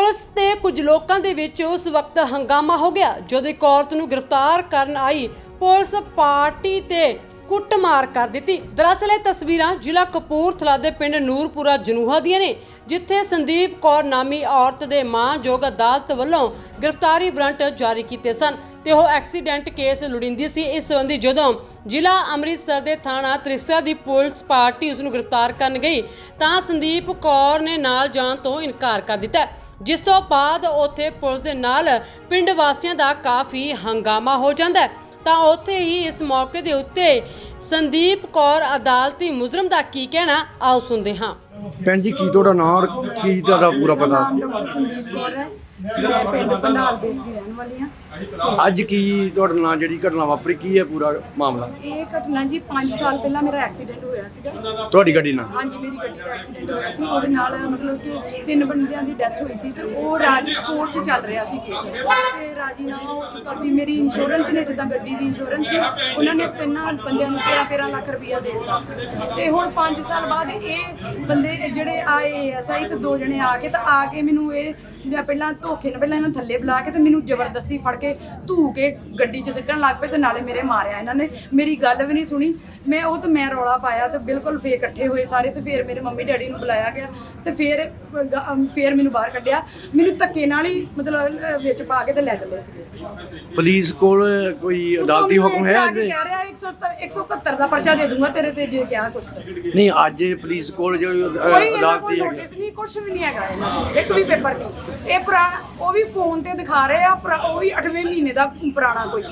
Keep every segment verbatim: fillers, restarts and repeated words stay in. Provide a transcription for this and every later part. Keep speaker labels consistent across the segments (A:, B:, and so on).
A: Police ते कुछ लोगों के विच उस वक्त हंगामा हो गया जदों एक औरत नूं गिरफ्तार करन आई पुलिस पार्टी ते कुटमार कर दी। दरअसल ये तस्वीरां जिला कपूरथला दे पिंड नूरपुरा जनूहा दियां ने, जिथे संदीप कौर नामी औरत दे मानयोग अदालत वल्लों गिरफ्तारी वारंट जारी किए सन ते ओह एक्सीडेंट केस लुड़िंदी सी। इस संबंधी जदों जिला अमृतसर दे थाणा त्रिस्सा दी पुलिस पार्टी उसनूं गिरफ्तार करन गई तां संदीप कौर ने नाल जाण तो इनकार कर दिता, जिस तो बाद उत्थे पुलिस दे नाल पिंड वासियां दा काफ़ी हंगामा हो जाता है। तां उत्थे ही इस मौके दे उत्ते संदीप कौर अदालती मुजरम दा की कहना आओ सुनदे हां।
B: भैन जी की तुहाडा नाम और की तुहाडा पूरा पता?
C: संदीप कौर है, मैं पिंड पंडाल देख की रहने वाली हाँ।
B: ਅੱਜ ਕੀ ਤੁਹਾਡੇ ਨਾਲ ਜਿਹੜੀ ਘਟਨਾ ਵਾਪਰੀ ਕੀ ਹੈ ਪੂਰਾ ਮਾਮਲਾ?
C: ਇਹ ਘਟਨਾ ਜੀ ਪੰਜ ਸਾਲ ਪਹਿਲਾਂ ਮੇਰਾ ਐਕਸੀਡੈਂਟ ਹੋਇਆ ਸੀਗਾ।
B: ਤੁਹਾਡੀ ਗੱਡੀ ਨਾਲ?
C: ਹਾਂਜੀ, ਮੇਰੀ ਗੱਡੀ ਦਾ ਐਕਸੀਡੈਂਟ ਹੋਇਆ ਸੀ। ਉਹਦੇ ਨਾਲ ਮਤਲਬ ਕਿ ਤਿੰਨ ਬੰਦਿਆਂ ਦੀ ਡੈਥ ਹੋਈ ਸੀ ਤੇ ਉਹ ਰਾਜ ਕੋਰਟ 'ਚ ਚੱਲ ਰਿਹਾ ਸੀ ਕੇਸ ਤੇ ਰਾਜੀਨਾਮਾ ਹੋ ਚੁੱਕਾ ਸੀ। ਮੇਰੀ ਇੰਸ਼ੋਰੈਂਸ ਨੇ, ਜਿੱਦਾਂ ਗੱਡੀ ਦੀ ਇੰਸ਼ੋਰੈਂਸ ਸੀ, ਉਹਨਾਂ ਨੇ ਤਿੰਨਾਂ ਬੰਦਿਆਂ ਨੂੰ ਤੇਰਾਂ ਤੇਰਾਂ ਲੱਖ ਰੁਪਈਆ ਦੇ ਦਿੱਤਾ ਤੇ ਹੁਣ ਪੰਜ ਸਾਲ ਬਾਅਦ ਇਹ ਬੰਦੇ ਜਿਹੜੇ ਆਏ ਐਸ ਆਈ ਤੇ ਦੋ ਜਣੇ ਆ ਕੇ ਤਾਂ ਆ ਕੇ ਮੈਨੂੰ ਇਹ ਪਹਿਲਾਂ ਧੋਖੇ ਨਾਲ ਪਹਿਲਾਂ ਇਹਨਾਂ ਥੱਲੇ ਬੁਲਾ ਕੇ ਤੇ ਮੈਨੂੰ ਜ਼ਬਰਦਸਤੀ ਫੜ ਕੇ ਧੂ ਕੇ ਗੱਡੀ 'ਚ ਸਿੱਟਣ ਲੱਗ ਪਏ ਤੇ ਨਾਲੇ ਮੇਰੇ ਮਾਰਿਆ ਇਹਨਾਂ ਨੇ। ਮੇਰੀ ਗੱਲ ਵੀ ਨਹੀਂ ਸੁਣੀ। ਮੈਂ ਉਹ ਤੇ ਮੈਂ ਰੌਲਾ ਪਾਇਆ ਤੇ ਬਿਲਕੁਲ ਫੇਰ ਇਕੱਠੇ ਹੋਏ ਸਾਰੇ ਤੇ ਫਿਰ ਮੇਰੇ ਮੰਮੀ ਡੈਡੀ ਨੂੰ ਬੁਲਾਇਆ ਗਿਆ ਤੇ ਫਿਰ ਫਿਰ ਮੈਨੂੰ ਬਾਹਰ ਕੱਢਿਆ। ਮੈਨੂੰ ਧੱਕੇ ਨਾਲ ਹੀ ਮਤਲਬ ਵਿੱਚ ਪਾ ਕੇ ਤੇ ਲੈ ਚੱਲੇ ਸੀਗੇ।
B: ਪੁਲਿਸ ਕੋਲ ਕੋਈ ਅਦਾਲਤੀ ਹੁਕਮ ਹੈ? ਅੱਜ
C: ਕਹਿ ਰਿਹਾ ਇੱਕ ਸੌ ਇਕਹੱਤਰ ਦਾ ਪਰਚਾ ਦੇ ਦੂੰਗਾ ਤੇਰੇ ਤੇ ਜੇ ਕਿਹਾ ਕੁਛ
B: ਨਹੀਂ। ਅੱਜ ਪੁਲਿਸ ਕੋਲ ਜੋ ਅਦਾਲਤੀ ਹੈ
C: ਨੋਟਿਸ ਨਹੀਂ, ਕੁਛ ਵੀ ਨਹੀਂ ਹੈਗਾ ਇਹਨਾਂ ਕੋਲ, ਇੱਕ ਵੀ ਪੇਪਰ ਨਹੀਂ। ਇਹ ਪੁਰਾਣਾ ਉਹ ਵੀ ਫੋਨ ਤੇ ਦਿਖਾ ਰਹੇ ਆ, ਉਹ ਵੀ ਅੱਠਵੇਂ ਮਹੀਨੇ ਦਾ ਪੁਰਾਣਾ ਕੋਈ।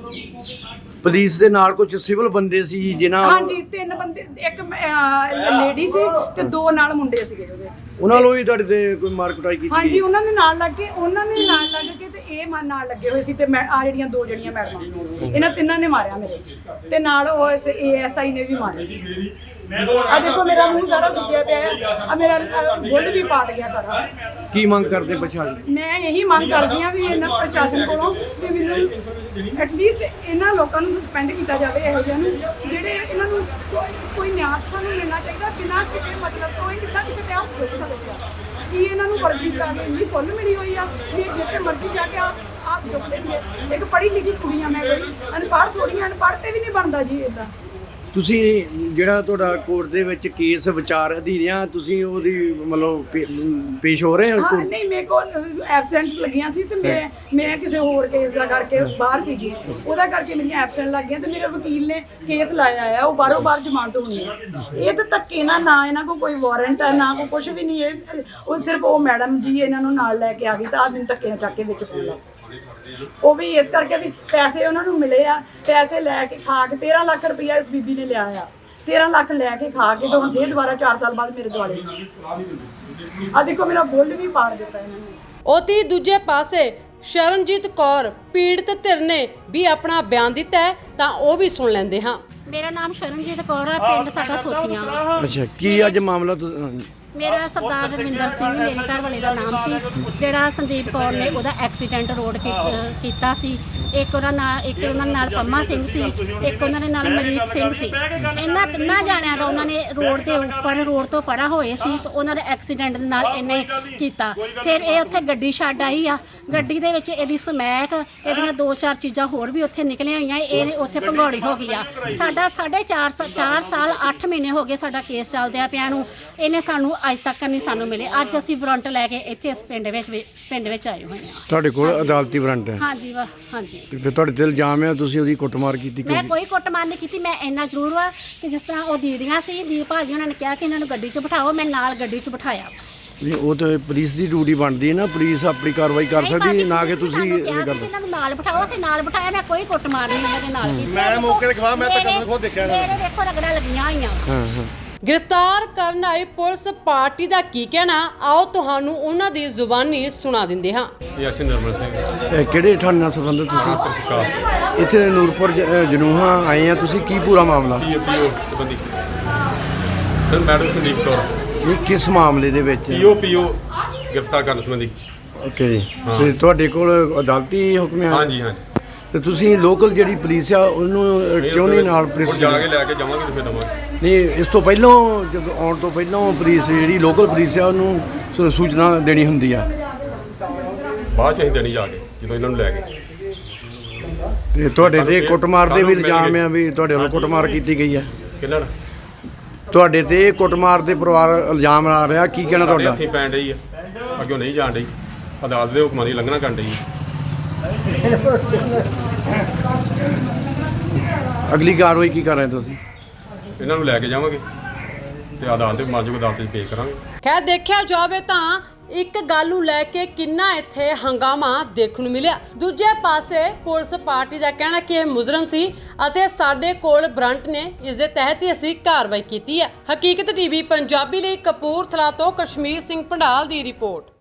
B: ਪੁਲਿਸ ਦੇ ਨਾਲ ਕੁਝ ਸਿਵਲ ਬੰਦੇ ਸੀ ਜਿਨ੍ਹਾਂ?
C: ਹਾਂਜੀ, ਤਿੰਨ ਬੰਦੇ, ਇੱਕ ਲੇਡੀ ਸੀ ਤੇ ਦੋ ਨਾਲ ਮੁੰਡੇ ਸੀਗੇ ਉਹਦੇ।
B: ਉਹਨਾਂ ਨੂੰ ਵੀ ਤੁਹਾਡੇ ਤੇ ਕੋਈ ਮਾਰ ਕੁਟਾਈ ਕੀਤੀ?
C: ਹਾਂਜੀ, ਉਹਨਾਂ ਦੇ ਨਾਲ ਲੱਗ ਕੇ ਉਹਨਾਂ ਨੇ ਨਾਲ ਲੱਗ ਕੇ ਤੇ ਇਹ ਮਨ ਨਾਲ ਲੱਗੇ ਹੋਏ ਸੀ ਤੇ ਮੈਂ ਆ ਜਿਹੜੀਆਂ ਦੋ ਜਣੀਆਂ ਮੈਡਮਾਂ, ਇਹਨਾਂ ਤਿੰਨਾਂ ਨੇ ਮਾਰਿਆ ਮੇਰੇ ਤੇ ਨਾਲ ਉਹ ਏ ਐਸ ਆਈ ਨੇ ਵੀ ਮਾਰਿਆ। ਆ ਦੇਖੋ ਮੇਰਾ ਮੂੰਹ ਸਾਰਾ ਸੁੱਜਿਆ ਪਿਆ ਹੈ, ਆ ਮੇਰਾ ਗੁੱਡ ਵੀ ਪਾਟ ਗਿਆ ਸਾਰਾ।
B: ਕੀ ਮੰਗ ਕਰਦੇ ਪ੍ਰਸ਼ਾਸਨ?
C: ਮੈਂ ਇਹੀ ਮੰਗ ਕਰਦੀ ਹਾਂ ਵੀ ਇਹਨਾਂ ਪ੍ਰਸ਼ਾਸਨ ਕੋਲੋਂ ਵੀ ਮੈਨੂੰ ਐਟਲੀਸਟ ਇਹਨਾਂ ਲੋਕਾਂ ਨੂੰ ਸਸਪੈਂਡ ਕੀਤਾ ਜਾਵੇ, ਇਹੋ ਜਿਹਿਆਂ ਨੂੰ ਜਿਹੜੇ ਇਹਨਾਂ ਨੂੰ ਕੋਈ ਨਿਆਂ ਸਾਨੂੰ ਮਿਲਣਾ ਚਾਹੀਦਾ ਬਿਨਾਂ ਕਿਸੇ ਮਤਲਬ ਤੋਂ। ਇਹ ਕਿੱਦਾਂ ਕਿਸੇ ਤੇ ਹੱਥ ਚੁੱਕ ਸਕਦੇ ਆ? ਕੀ ਇਹਨਾਂ ਨੂੰ ਵਰਜੀ ਕਰਾ ਕੇ ਇੰਨੀ ਖੁੱਲ੍ਹ ਮਿਲੀ ਹੋਈ ਆ ਵੀ ਜਿੱਥੇ ਮਰਜ਼ੀ ਜਾ ਕੇ ਹੱਥ ਚੁੱਕ ਲੈਂਦੀ ਹੈ। ਇੱਕ ਪੜ੍ਹੀ ਲਿਖੀ ਕੁੜੀ ਆ ਮੈਂ, ਕੋਈ ਅਨਪੜ੍ਹ ਥੋੜ੍ਹੀ, ਅਨਪੜ੍ਹ ਤੇ ਵੀ ਨਹੀਂ ਬਣਦਾ ਜੀ ਇੱਦਾਂ।
B: ਤੁਸੀਂ ਜਿਹੜਾ ਤੁਹਾਡਾ ਕੋਰਟ ਦੇ ਵਿੱਚ ਕੇਸ ਵਿਚਾਰ ਅਧੀਨ ਆ, ਤੁਸੀਂ ਉਹਦੀ ਮਤਲਬ ਪੇਸ਼ ਹੋ ਰਹੇ ਹੋ?
C: ਹਾਂ, ਨਹੀਂ, ਮੇਰੇ ਕੋਲ ਐਬਸੈਂਟਸ ਲੱਗੀਆਂ ਸੀ ਤੇ ਮੈਂ ਮੈਂ ਕਿਸੇ ਹੋਰ ਕੇਸ ਦਾ ਕਰਕੇ ਬਾਹਰ ਸੀਗੀ, ਉਹਦਾ ਕਰਕੇ ਮੇਰੀਆਂ ਐਬਸੈਂਟ ਲੱਗ ਗਈਆਂ ਤੇ ਮੇਰੇ ਵਕੀਲ ਨੇ ਕੇਸ ਲਾਇਆ ਆ, ਉਹ ਬਾਹਰੋਂ ਬਾਹਰ ਜ਼ਮਾਨਤ ਹੋਣੀ ਹੈ। ਇਹ ਤਾਂ ਧੱਕੇ ਨਾਲ, ਨਾ ਇਹਨਾਂ ਕੋਲ ਕੋਈ ਵਾਰੰਟ ਹੈ ਨਾ ਕੋਈ ਕੁਛ ਵੀ ਨਹੀਂ। ਇਹ ਉਹ ਸਿਰਫ ਉਹ ਮੈਡਮ ਜੀ ਇਹਨਾਂ ਨੂੰ ਨਾਲ ਲੈ ਕੇ ਆ ਗਈ ਤਾਂ ਆਹ ਮੈਨੂੰ ਧੱਕੇ ਨਾਲ ਚੱਕ ਕੇ ਵਿੱਚ ਪਾਉਣਾ। ਉਹ ਵੀ ਇਸ ਕਰਕੇ ਵੀ ਪੈਸੇ ਉਹਨਾਂ ਨੂੰ ਮਿਲੇ ਆ, ਪੈਸੇ ਲੈ ਕੇ ਖਾ ਕੇ ਤੇਰਾਂ ਲੱਖ ਰੁਪਈਆ ਇਸ ਬੀਬੀ ਨੇ ਲਿਆ ਆ। ਤੇਰਾਂ ਲੱਖ ਲੈ ਕੇ ਖਾ ਕੇ ਤਾਂ ਹੁਣ ਫੇਰ ਦੁਬਾਰਾ ਚਾਰ ਸਾਲ ਬਾਅਦ ਮੇਰੇ ਦੁਆਲੇ ਆ ਦੇਖੋ ਮੇਰਾ ਬੁੱਲ ਵੀ ਪਾੜ ਦਿੱਤਾ ਇਹਨਾਂ ਨੇ।
A: ਉਤੀ ਦੂਜੇ ਪਾਸੇ ਸ਼ਰਨਜੀਤ ਕੌਰ ਪੀੜਤ ਧਿਰ ਨੇ ਵੀ ਆਪਣਾ ਬਿਆਨ ਦਿੱਤਾ ਹੈ ਤਾਂ ਉਹ ਵੀ ਸੁਣ ਲੈਂਦੇ ਹਾਂ।
D: ਮੇਰਾ ਨਾਮ ਸ਼ਰਨਜੀਤ ਕੌਰ ਹੈ, ਪਿੰਡ ਸਾਡਾ ਥੋਥੀਆਂ।
B: ਅੱਛਾ, ਕੀ ਅੱਜ ਮਾਮਲਾ?
D: ਮੇਰਾ ਸਰਦਾਰ ਰਵਿੰਦਰ ਸਿੰਘ ਮੇਰੇ ਘਰ ਵਾਲੇ ਦਾ ਨਾਮ ਸੀ, ਜਿਹੜਾ ਸੰਦੀਪ ਕੌਰ ਨੇ ਉਹਦਾ ਐਕਸੀਡੈਂਟ ਰੋਡ ਕੀਤਾ ਸੀ। ਇੱਕ ਉਹਨਾਂ ਨਾਲ ਇੱਕ ਉਹਨਾਂ ਨਾਲ ਪੰਮਾ ਸਿੰਘ ਸੀ, ਇੱਕ ਉਹਨਾਂ ਦੇ ਨਾਲ ਮਲੀਕ ਸਿੰਘ ਸੀ। ਇਹਨਾਂ ਤਿੰਨਾਂ ਜਾਣਿਆਂ ਦਾ ਉਹਨਾਂ ਨੇ ਰੋਡ ਦੇ ਉੱਪਰ ਰੋਡ ਤੋਂ ਪਰਾਂ ਹੋਏ ਸੀ ਤੇ ਉਹਨਾਂ ਦੇ ਐਕਸੀਡੈਂਟ ਦੇ ਨਾਲ ਇਹਨੇ ਕੀਤਾ। ਫਿਰ ਇਹ ਉੱਥੇ ਗੱਡੀ ਛੱਡ ਆਈ ਆ, ਗੱਡੀ ਦੇ ਵਿੱਚ ਇਹਦੀ ਸਮੈਕ, ਇਹਦੀਆਂ ਦੋ ਚਾਰ ਚੀਜ਼ਾਂ ਹੋਰ ਵੀ ਉੱਥੇ ਨਿਕਲੀਆਂ ਹੋਈਆਂ। ਇਹ ਉੱਥੇ ਭੰਗੌੜੀ ਹੋ ਗਈ ਆ। ਸਾਡਾ ਸਾਢੇ ਚਾਰ ਚਾਰ ਸਾਲ ਅੱਠ ਮਹੀਨੇ ਹੋ ਗਏ ਸਾਡਾ ਕੇਸ ਚੱਲਦਿਆਂ ਪਿਆ ਨੂੰ, ਇਹਨੇ ਸਾਨੂੰ ਅੱਜ ਤੱਕ ਨਹੀਂ ਸਾਨੂੰ ਮਿਲੇ। ਅੱਜ ਅਸੀਂ ਵਾਰੰਟ ਲੈ ਕੇ ਇੱਥੇ ਇਸ ਪਿੰਡ ਵਿੱਚ ਪਿੰਡ ਵਿੱਚ ਆਏ ਹੋਏ ਹਾਂ।
B: ਤੁਹਾਡੇ ਕੋਲ ਅਦਾਲਤੀ ਵਾਰੰਟ ਹੈ?
D: ਹਾਂਜੀ ਵਾ ਹਾਂਜੀ।
B: ਤੇ ਫਿਰ ਤੁਹਾਡੇ ਤੇ ਇਲਜ਼ਾਮ ਹੈ ਤੁਸੀਂ ਉਹਦੀ ਕੁੱਟਮਾਰ ਕੀਤੀ?
D: ਮੈਂ ਕੋਈ ਕੁੱਟਮਾਰ ਨਹੀਂ ਕੀਤੀ। ਮੈਂ ਇੰਨਾ ਜ਼ਰੂਰ ਵਾ ਕਿ ਜਿਸ ਤਰ੍ਹਾਂ ਉਹ ਦੀਦੀਆਂ ਸੀ, ਦੀਪ ਭਾਜੀ ਉਹਨਾਂ ਨੇ ਕਿਹਾ ਕਿ ਇਹਨਾਂ ਨੂੰ ਗੱਡੀ 'ਚ ਬਿਠਾਓ, ਮੈਂ ਨਾਲ ਗੱਡੀ 'ਚ ਬਿਠਾਇਆ।
B: ਨਹੀਂ, ਉਹ ਤਾਂ ਪੁਲਿਸ ਦੀ ਡਿਊਟੀ ਬਣਦੀ ਹੈ ਨਾ, ਪੁਲਿਸ ਆਪਣੀ ਕਾਰਵਾਈ ਕਰ ਸਕਦੀ ਨਾ ਕਿ ਤੁਸੀਂ ਇਹ ਕਰਦੇ।
D: ਇਹਨਾਂ ਨੂੰ ਨਾਲ ਬਿਠਾਓ, ਅਸੀਂ ਨਾਲ ਬਿਠਾਇਆ। ਮੈਂ ਕੋਈ ਕੁੱਟਮਾਰ ਨਹੀਂ ਇਹਨਾਂ ਦੇ ਨਾਲ ਕੀਤੀ।
E: ਮੈਂ ਮੌਕੇ ਤੇ ਖਵਾ, ਮੈਂ ਤਾਂ ਖੁਦ ਦੇਖਿਆ ਨਾ।
D: ਮੇਰੇ ਦੇਖੋ ਰਗੜਾ ਲੱਗੀਆਂ ਹੋਈਆਂ।
B: ਹਾਂ ਹਾਂ।
A: गिरफ्तार करन आई पुलिस पार्टी का की कहना आओ तुहानू उन्हां दी जुबानी सुना दिंदे हां।
E: ਅਸੀਂ ਨਰਮਲ ਸਿੰਘ।
B: ਇਹ ਕਿਹੜੇ ਥਾਣੇ ਨਾਲ ਸੰਬੰਧਿਤ ਤੁਸੀਂ? ਇੱਥੇ ਨੂਰਪੁਰ ਜਨੂਹਾ ਆਏ ਆ ਤੁਸੀਂ, ਕੀ ਪੂਰਾ ਮਾਮਲਾ?
E: ਪੀਓ ਸੰਬੰਧੀ ਸਰ ਮੈਡਮ ਸੰਦੀਪ ਕੌਰ।
B: ਇਹ ਕਿਸ ਮਾਮਲੇ ਦੇ ਵਿੱਚ?
E: ਪੀਓ ਪੀਓ ਗ੍ਰਿਫਤਾਰ ਕਰਨ ਸੰਬੰਧੀ।
B: ਓਕੇ ਜੀ। ਤੇ ਤੁਹਾਡੇ ਕੋਲ ਅਦਾਲਤੀ ਹੁਕਮ ਹੈ?
E: ਹਾਂਜੀ ਹਾਂਜੀ।
B: ਤੇ ਤੁਸੀਂ ਲੋਕਲ ਜਿਹੜੀ ਪੁਲਿਸ ਆ ਉਹਨੂੰ ਕਿਉਂ ਨਹੀਂ ਨਾਲ ਪੁਲਿਸ
E: ਜਾ ਕੇ ਲੈ ਕੇ ਜਾਵਾਂਗੇ ਤੇ ਫਿਰ ਦਵਾਂਗੇ।
B: ਨਹੀਂ, ਇਸ ਤੋਂ ਪਹਿਲਾਂ ਜਦੋਂ ਆਉਣ ਤੋਂ ਪਹਿਲਾਂ ਪੁਲਿਸ ਜਿਹੜੀ ਲੋਕਲ ਪੁਲਿਸ ਆ ਉਹਨੂੰ ਸੂਚਨਾ ਦੇਣੀ ਹੁੰਦੀ ਆ।
E: ਬਾਅਦ ਚ ਅਸੀਂ ਦੇਣੀ ਜਾ ਕੇ ਜਦੋਂ ਇਹਨਾਂ ਨੂੰ ਲੈ ਗਏ।
B: ਤੇ ਤੁਹਾਡੇ ਤੇ
E: ਸਾਨੂੰ
B: ਕੁੱਟਮਾਰ ਦੇ ਵੀ
E: ਸਾਨੂੰ ਮਿਲ
B: ਇਲਜ਼ਾਮ
E: ਗਏ।
B: ਆ ਵੀ ਤੁਹਾਡੇ ਵੱਲੋਂ ਕੁੱਟਮਾਰ ਕੀਤੀ ਗਈ ਹੈ।
E: ਕਿਹਨਾਂ ਨਾਲ
B: ਤੁਹਾਡੇ ਤੇ ਕੁੱਟਮਾਰ ਦੇ ਪਰਿਵਾਰ ਇਲਜ਼ਾਮ ਲਾ ਰਿਹਾ, ਕੀ ਕਹਿਣਾ
E: ਸਾਡੇ
B: ਤੁਹਾਡਾ?
E: ਹੱਥੀਂ ਪੈਣ ਡਈ ਆ, ਅੱਗੇ ਨਹੀਂ ਜਾਣ ਡਈ, ਅਦਾਲਤ ਦੇ ਹੁਕਮਾਂ ਦੀ ਲੰਘਣਾ ਕਰਨ ਡਈ।
B: ਅਗਲੀ ਕਾਰਵਾਈ ਕੀ ਕਰ ਰਹੇ ਤੁਸੀਂ?
E: ਇਹਨਾਂ ਨੂੰ ਲੈ ਕੇ ਜਾਵਾਂਗੇ ਤੇ ਅਦਾਲਤ ਦੇ ਮਾਜੂਗ ਅਦਾਲਤ 'ਚ ਪੇਸ਼ ਕਰਾਂਗੇ।
A: ਖੈਰ ਦੇਖਿਆ ਜਾਵੇ ਤਾਂ ਇੱਕ ਗੱਲ ਨੂੰ ਲੈ ਕੇ ਕਿੰਨਾ ਇੱਥੇ ਹੰਗਾਮਾ ਦੇਖਣ ਨੂੰ ਮਿਲਿਆ। ਦੂਜੇ ਪਾਸੇ ਪੁਲਿਸ ਪਾਰਟੀ ਦਾ ਕਹਿਣਾ ਕਿ ਇਹ ਮੁਜਰਮ ਸੀ ਅਤੇ ਸਾਡੇ ਕੋਲ ਵਾਰੰਟ ਨੇ, ਇਸ ਦੇ ਤਹਿਤ ਹੀ ਅਸੀਂ ਕਾਰਵਾਈ ਕੀਤੀ ਹੈ। ਹਕੀਕਤ ਟੀਵੀ ਪੰਜਾਬੀ ਲਈ ਕਪੂਰਥਲਾ ਤੋਂ ਕਸ਼ਮੀਰ ਸਿੰਘ ਪੰਡਾਲ ਦੀ ਰਿਪੋਰਟ।